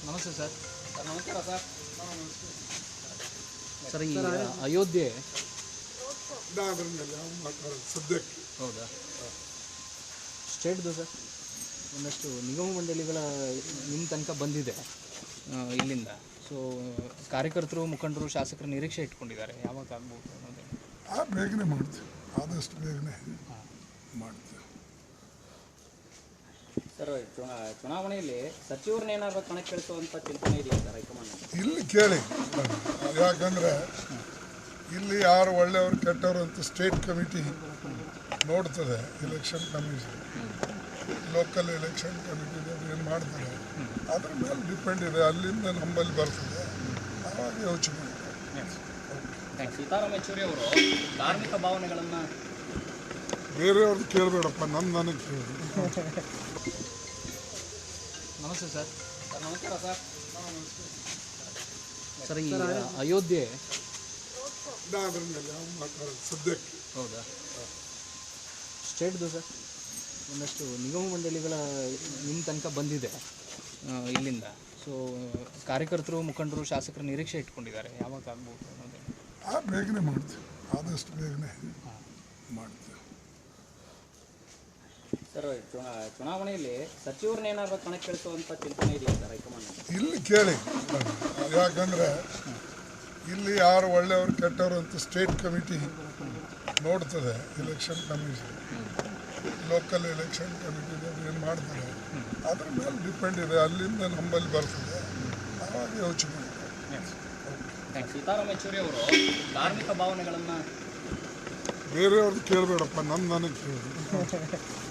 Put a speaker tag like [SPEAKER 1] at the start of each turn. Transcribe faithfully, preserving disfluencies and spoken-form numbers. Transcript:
[SPEAKER 1] ನಮಸ್ತೆ sir.
[SPEAKER 2] Sir ನಮಸ್ಕಾರ sir.
[SPEAKER 1] Sir ಈ ಅಯೋಧ್ಯೆ
[SPEAKER 3] ಅದ್ರ ಮೇಲೆ ಮಾತಾಡೋದು ಸದ್ಯಕ್ಕೆ.
[SPEAKER 1] ಹೌದಾ? ಸ್ಟೇಟ್ದು ಸರ್ ಒಂದಷ್ಟು ನಿಗಮ ಮಂಡಳಿಗಳ ನಿಮ್ಮ ತನಕ ಬಂದಿದೆ ಇಲ್ಲಿಂದ. ಸೊ ಕಾರ್ಯಕರ್ತರು, ಮುಖಂಡರು, ಶಾಸಕರು ನಿರೀಕ್ಷೆ ಇಟ್ಕೊಂಡಿದ್ದಾರೆ, ಯಾವಾಗ ಆಗ್ಬೋದು ಅನ್ನೋದೇ.
[SPEAKER 3] ಆ ಬೇಗನೆ ಮಾಡ್ತೀವಿ, ಆದಷ್ಟು ಬೇಗನೆ ಮಾಡ್ತೀವಿ.
[SPEAKER 2] ಸರ್ ಚುನಾವಣೆಯಲ್ಲಿ ಸಚಿವರನ್ನೇನಾದ್ರು ಕಣಕ್ಕೆ ಇಳಿಸುವಂಥ ಚಿಂತನೆ ಇದೆಯಾ ಸರ್ ಹೈಕಮಾಂಡ್?
[SPEAKER 3] ಇಲ್ಲಿ ಕೇಳಿ, ಯಾಕಂದರೆ ಇಲ್ಲಿ ಯಾರು ಒಳ್ಳೆಯವರು ಕೆಟ್ಟವರು ಅಂತ ಸ್ಟೇಟ್ ಕಮಿಟಿ ನೋಡ್ತದೆ. Election commission, local election committee ಏನು ಮಾಡ್ತಾರೆ ಅದ್ರ ಮೇಲೆ ಡಿಪೆಂಡ್ ಇದೆ. ಅಲ್ಲಿಂದ ನಮ್ಮಲ್ಲಿ ಬರ್ತದೆ, ಆವಾಗ ಯೋಚನೆ ಮಾಡ್ತಾರೆ.
[SPEAKER 2] ಸೀತಾರಾಮ್ ಯೆಚೂರಿ ಅವರು ಧಾರ್ಮಿಕ ಭಾವನೆಗಳನ್ನು
[SPEAKER 3] ಬೇರೆಯವ್ರದ್ದು ಕೇಳಬೇಡಪ್ಪ, ನಮ್ಮ ನನಗೆ ಕೇಳಿ.
[SPEAKER 1] ನಮಸ್ತೆ ಸರ್.
[SPEAKER 2] ಸರ್ ನಮಸ್ಕಾರ ಸರ್.
[SPEAKER 1] ಸರ್ ಈ ಅಯೋಧ್ಯೆ
[SPEAKER 3] ಅದ್ರ ಮೇಲೆ ಮಾತಾಡೋದು ಸದ್ಯಕ್ಕೆ.
[SPEAKER 1] ಹೌದಾ? ಸ್ಟೇಟ್ದು ಸರ್ ಒಂದಷ್ಟು ನಿಗಮ ಮಂಡಳಿಗಳ ನಿಮ್ಮ ತನಕ ಬಂದಿದೆ ಇಲ್ಲಿಂದ. ಸೊ ಕಾರ್ಯಕರ್ತರು, ಮುಖಂಡರು, ಶಾಸಕರು ನಿರೀಕ್ಷೆ ಇಟ್ಕೊಂಡಿದ್ದಾರೆ, ಯಾವಾಗ ಆಗ್ಬೋದು ಅನ್ನೋದೇ.
[SPEAKER 3] ಆ ಬೇಗನೆ ಮಾಡ್ತೀವಿ, ಆದಷ್ಟು ಬೇಗನೆ ಮಾಡ್ತೀವಿ.
[SPEAKER 2] ಸರ್ ಚುನಾವಣೆಯಲ್ಲಿ ಸಚಿವರನ್ನೇನಾದ್ರು ಕಣಕ್ಕೆ ಇಳಿಸುವಂಥ ಚಿಂತನೆ ಇದೆಯಾ ಸರ್ ಹೈಕಮಾಂಡ್?
[SPEAKER 3] ಇಲ್ಲಿ ಕೇಳಿ, ಯಾಕಂದರೆ ಇಲ್ಲಿ ಯಾರು ಒಳ್ಳೆಯವರು ಕೆಟ್ಟವರು ಅಂತ ಸ್ಟೇಟ್ ಕಮಿಟಿ ನೋಡ್ತದೆ. Election commission, local election committee ಏನು ಮಾಡ್ತಾರೆ ಅದ್ರ ಮೇಲೆ ಡಿಪೆಂಡ್ ಇದೆ. ಅಲ್ಲಿಂದ ನಮ್ಮಲ್ಲಿ ಬರ್ತದೆ, ಆವಾಗ ಯೋಚನೆ ಮಾಡ್ತಾರೆ.
[SPEAKER 2] ಸೀತಾರಾಮ್ ಯೆಚೂರಿ ಅವರು ಧಾರ್ಮಿಕ ಭಾವನೆಗಳನ್ನು
[SPEAKER 3] ಬೇರೆಯವ್ರದ್ದು ಕೇಳಬೇಡಪ್ಪ, ನಮ್ಮ ನನಗೆ ಕೇಳಿ.